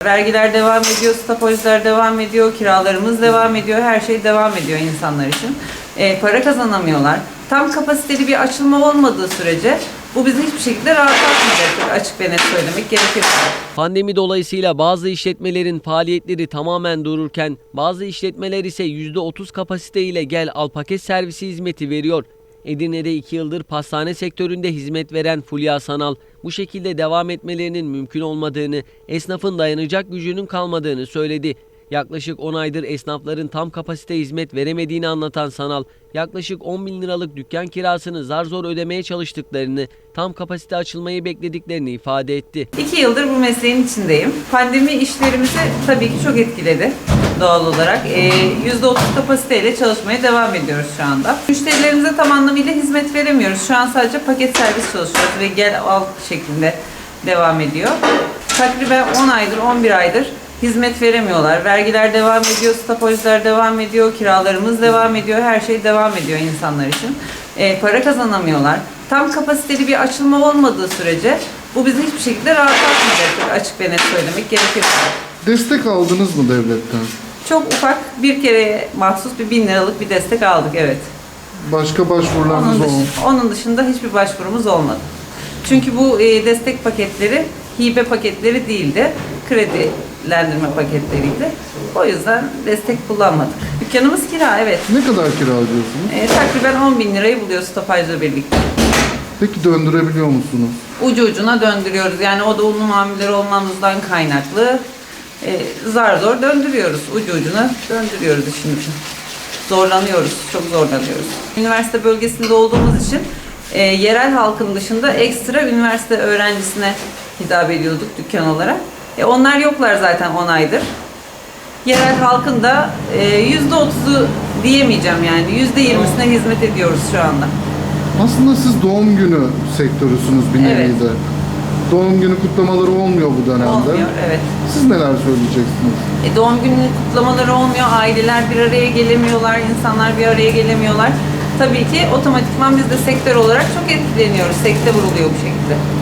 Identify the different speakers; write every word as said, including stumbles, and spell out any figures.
Speaker 1: Vergiler devam ediyor, stopajlar devam ediyor, kiralarımız devam ediyor, her şey devam ediyor insanlar için. E, para kazanamıyorlar. Tam kapasiteli bir açılma olmadığı sürece bu bizi hiçbir şekilde rahatlatmayacak, açık ve net söylemek gerekirse.
Speaker 2: Pandemi dolayısıyla bazı işletmelerin faaliyetleri tamamen dururken bazı işletmeler ise yüzde otuz kapasite ile gel al paket servisi hizmeti veriyor. Edirne'de iki yıldır pastane sektöründe hizmet veren Fulya Sanal, bu şekilde devam etmelerinin mümkün olmadığını, esnafın dayanacak gücünün kalmadığını söyledi. Yaklaşık on aydır esnafların tam kapasite hizmet veremediğini anlatan Sanal, yaklaşık on bin liralık dükkan kirasını zar zor ödemeye çalıştıklarını, tam kapasite açılmayı beklediklerini ifade etti.
Speaker 1: İki yıldır bu mesleğin içindeyim. Pandemi işlerimizi tabii ki çok etkiledi doğal olarak. E, yüzde otuz kapasiteyle çalışmaya devam ediyoruz şu anda. Müşterilerimize tam anlamıyla hizmet veremiyoruz. Şu an sadece paket servis çalışıyoruz ve gel al şeklinde devam ediyor. Takriben on aydır, on bir aydır hizmet veremiyorlar. Vergiler devam ediyor, stopajlar devam ediyor, kiralarımız devam ediyor, her şey devam ediyor insanlar için. E, para kazanamıyorlar. Tam kapasiteli bir açılma olmadığı sürece bu bizi hiçbir şekilde rahatlatmayacak, açık ve net söylemek gerekirse.
Speaker 3: Destek aldınız mı devletten?
Speaker 1: Çok ufak bir kere mahsus bir bin liralık bir destek aldık, evet.
Speaker 3: Başka başvurularınız
Speaker 1: Onun,
Speaker 3: oldu mu?
Speaker 1: dış, onun dışında hiçbir başvurumuz olmadı. Çünkü bu e, destek paketleri hibe paketleri değildi, kredilendirme paketleriydi. O yüzden destek kullanmadık. Dükkanımız kira, evet.
Speaker 3: Ne kadar kira ödüyorsunuz?
Speaker 1: E, takriben on bin lirayı buluyor stopajla birlikte.
Speaker 3: Peki döndürebiliyor musunuz?
Speaker 1: Ucu ucuna döndürüyoruz. Yani o da unlu mamulleri olmamızdan kaynaklı e, zar zor döndürüyoruz. Ucu ucuna döndürüyoruz işin için. Zorlanıyoruz, çok zorlanıyoruz. Üniversite bölgesinde olduğumuz için e, yerel halkın dışında ekstra üniversite öğrencisine hitap ediyorduk dükkan olarak. E, onlar yoklar zaten on aydır. Yerel halkın da e, yüzde otuzu diyemeyeceğim yani yüzde yirmisine hizmet ediyoruz şu anda.
Speaker 3: Aslında siz doğum günü sektörüsünüz bir nevi
Speaker 1: Evet.
Speaker 3: de. Doğum günü kutlamaları olmuyor bu dönemde.
Speaker 1: Olmuyor, evet.
Speaker 3: Siz neler söyleyeceksiniz?
Speaker 1: E, doğum günü kutlamaları olmuyor, aileler bir araya gelemiyorlar, insanlar bir araya gelemiyorlar. Tabii ki otomatikman biz de sektör olarak çok etkileniyoruz, sekte vuruluyor bu şekilde.